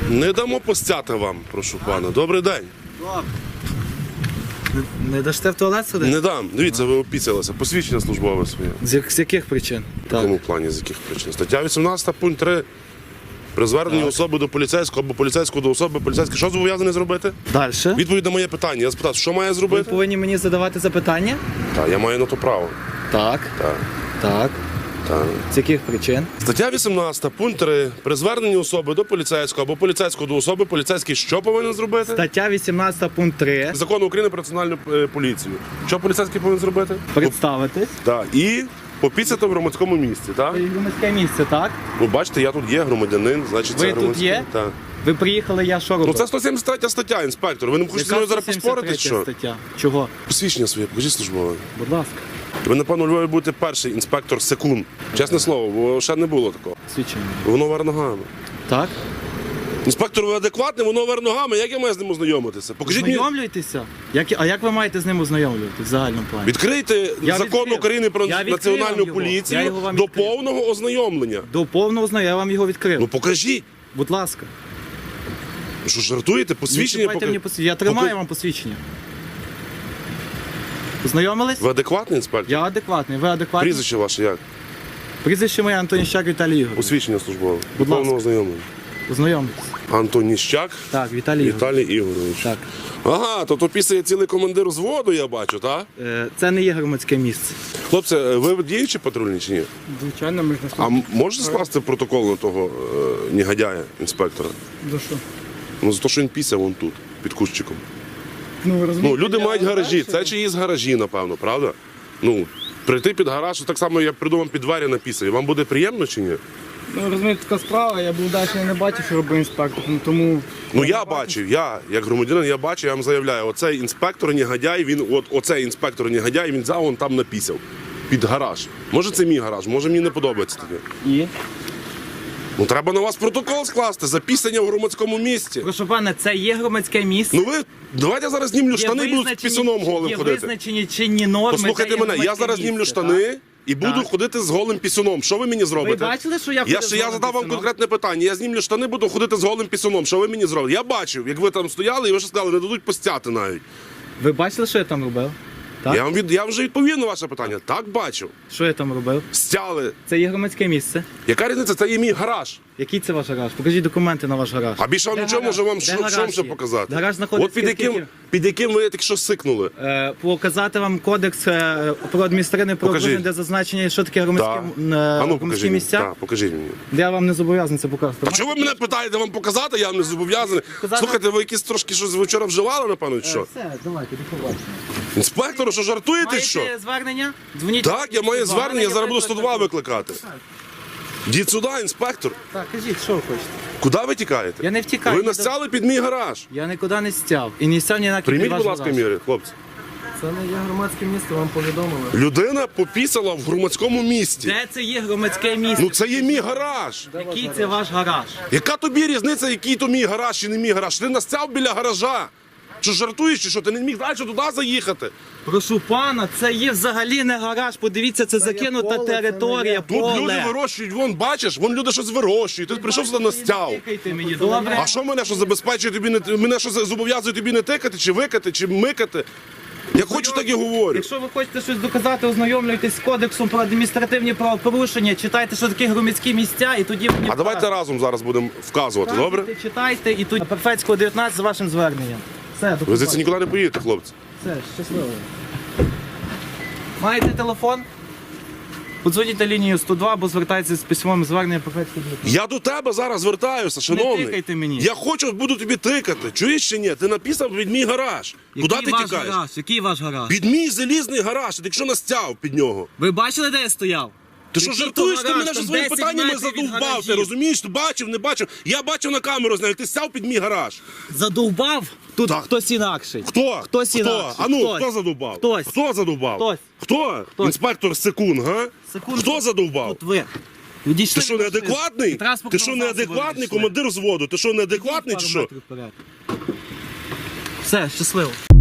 Не дамо постяти вам, прошу пана. Добрий день. Добре. Не дасте в туалет сюди? Не дам. Дивіться, ви опіцялися. Посвідчення службове своє. З яких причин? В якому плані, з яких причин? Стаття 18, пункт 3. При зверненні особи до поліцейського або поліцейського до особи, поліцейський що зобов'язаний зробити? Далі. Відповідь на моє питання. Я спитав, що має Ви зробити? повинні мені задавати запитання? Так, я маю на то право. Так. Так, Так. так. З яких причин? Стаття 18, пункт 3. При зверненні особи до поліцейського або поліцейського до особи, поліцейський що повинен зробити? Стаття 18 пункт 3. Закону України про національну поліцію. Що поліцейський повинен зробити? Представитись. Так. І попіцяти в громадському місці, так? Громадське місце, так? Ну, бачите, я тут є громадянин, значить Ви це тут громадський. є? Так. Ви приїхали, я що робив? Ну це 173 стаття, інспектор. Ви не хочете зі мною зараз поспорити, що? Стаття. Чого? Посвідчення своє, покажіть службове. Будь ласка. Ви, напевно, у Львові будете перший інспектор секунд. Чесне слово, бо ще не було такого. Свідчення. Воно вер ногами. Так? Інспектор, ви адекватний, воно вер ногами. Як я маю з ним ознайомитися? Покажіть мені. Ознайомлюйтеся? А як ви маєте з ним ознайомлювати в загальному плані? Відкрийте Я закон відкрив. України про Я відкрив національну вам його. Я поліцію його вам до відкрив. повного ознайомлення. До повного ознайомлення, я вам його відкрив. Ну покажіть. Будь ласка. Ви що, жартуєте? Посвідчення Не чіпайте мені посвідчення. Я тримаю вам посвідчення. Познайомились? Ви адекватний інспектор? Я адекватний. Ви адекватний? Прізвище ваше як? Прізвище моє Антоніщак Віталій Ігорович. Посвідчення службове. До Будь ласка. повного ознайомлення. Познайомтесь. Антоніщак Так, Віталій Ігорович. Віталій Ігорович. Так. Ага, то після цілий командир взводу, я бачу, так? Це не є громадське місце. Хлопці, ви діючі патрульні чи ні? Звичайно, ми ж не А можете скласти протокол на того негодяя, інспектора? За що? Ну, за те, що він пісяв вон тут, під кущиком. Ну, ви розумієте, Ну, люди мають гаражі, це чиїсь гаражі, напевно, правда? Ну, прийти під гараж, так само, як придумав під двері написані. Вам буде приємно чи ні? Ну, розумієте, така справа, я був далі не бачив, що робив інспектор, тому... Ну, я бачив, я, як громадянин, я бачив, я вам заявляю, оцей інспектор негодяй, оцей інспектор негодяй, він взяв, вон там напісяв. Під гараж. Може це мій гараж, може мені не подобається таке. І? Ну, треба на вас протокол скласти за пісення в громадському місці. Прошу пане, це є громадське місце. Ну ви, давайте я зараз знімлю штани і буду з пісюном голим є ходити. визначені чинні норми. Послухайте це є мене, я громадське зараз знімлю місце, штани так? і буду Так. ходити з голим пісюном. Що ви мені зробите? Ви бачили, що я Я ходив з голим задав вам пісюном? конкретне питання. Я знімлю штани, буду ходити з голим пісюном. Що ви мені зробите? Я бачив, як ви там стояли, і ви ще сказали, не дадуть постяти навіть. Ви бачили, що я там робив? Так? Я вже відповів на ваше питання. Так бачив. Що я там робив? Стяли. Це є громадське місце. Яка різниця? Це є мій гараж. Який це ваш гараж? Покажіть документи на ваш гараж. А більше вам Де нічого гараж? може вам Де що гараж ще є? показати? Гараж знаходиться От під яким ви тільки що сикнули. Показати вам кодекс про адміністративне правопорушення, де зазначення, що таке Так. громадські, А ну громадські покажіть мені. місця. Так, покажіть мені. Я вам не зобов'язаний це показувати. А чого ви мене питаєте вам показати? Я вам не зобов'язаний. Показати? Слухайте, ви якісь трошки щось вчора вживали, напевно, чи що? Все, давайте, до побачення. Інспектору, що жартуєте, що? Маєте звернення? Дзвоніть. Так, я маю звернення, я зараз буду 102 викликати. викликати. Діть сюди, інспектор. Так, кажіть, що ви хочете? Куди ви тікаєте? Я не втікаю. Ви настяли під мій гараж. Я нікуди не стяв. І не стяв ні на Прийміть, будь ласка, міри, хлопці. Це не є громадське місце, вам повідомили. Людина попісала в громадському місці. Де це є громадське місце? Ну це є мій гараж. Який це ваш гараж? Яка тобі різниця, який то мій гараж чи не мій гараж? Ти настяв біля гаража. Що жартуєш, чи що? Ти не міг далі туди заїхати? Прошу пана, це є взагалі не гараж. Подивіться, це закинута поле, це територія, Тут поле. люди вирощують, вон бачиш, вон люди щось вирощують. Ти прийшов сюди настяв. Тикайте мені, добре? А що мене що забезпечує тобі не мене що зобов'язує тобі не тикати, чи викати, чи микати? Я хочу, так і говорю. Якщо ви хочете щось доказати, ознайомлюйтесь з кодексом про адміністративні правопорушення, читайте, що таке громадські місця, і тоді мені А давайте разом зараз будемо вказувати, добре? Читайте, і тоді Перфецького 19 з вашим зверненням. Все, до Ви побачення. звідси нікуди не поїдете, хлопці. Все, щасливо. Маєте телефон? Подзвоніть на лінію 102, або звертайтеся з письмовим зверненням Перфецького 19. Я до тебе зараз звертаюся, шановний. тикайте мені. Я хочу, буду тобі тикати. Чуєш чи ні? Ти написав під мій гараж. Куди ти ваш тікаєш? гараж? Який ваш гараж? Під мій залізний гараж, ти якщо настяв під нього. Ви бачили, де я стояв? Ти що Який жартуєш? то Ти гараж? мене вже Там своїми 10 питаннями метрів від задовбав. Ти гаражів. розумієш? Ти бачив, не бачив? Я бачив на камеру, знаю, ти сяв під мій гараж. Задовбав? Тут Так. хтось інакший. Хто? Хтось інакший. А ну, Хтось. хто задовбав? Хтось. Хто задовбав? Хтось. Хто? Хтось. Інспектор Секунд, га? Секунд. Хто задовбав? Тут ви. Відійшли Ти що, від машини. неадекватний? І транспортного Ти що, засобу неадекватний відійшли. командир взводу? Ти що, неадекватний Пару чи що? метрів вперед. Все, щасливо.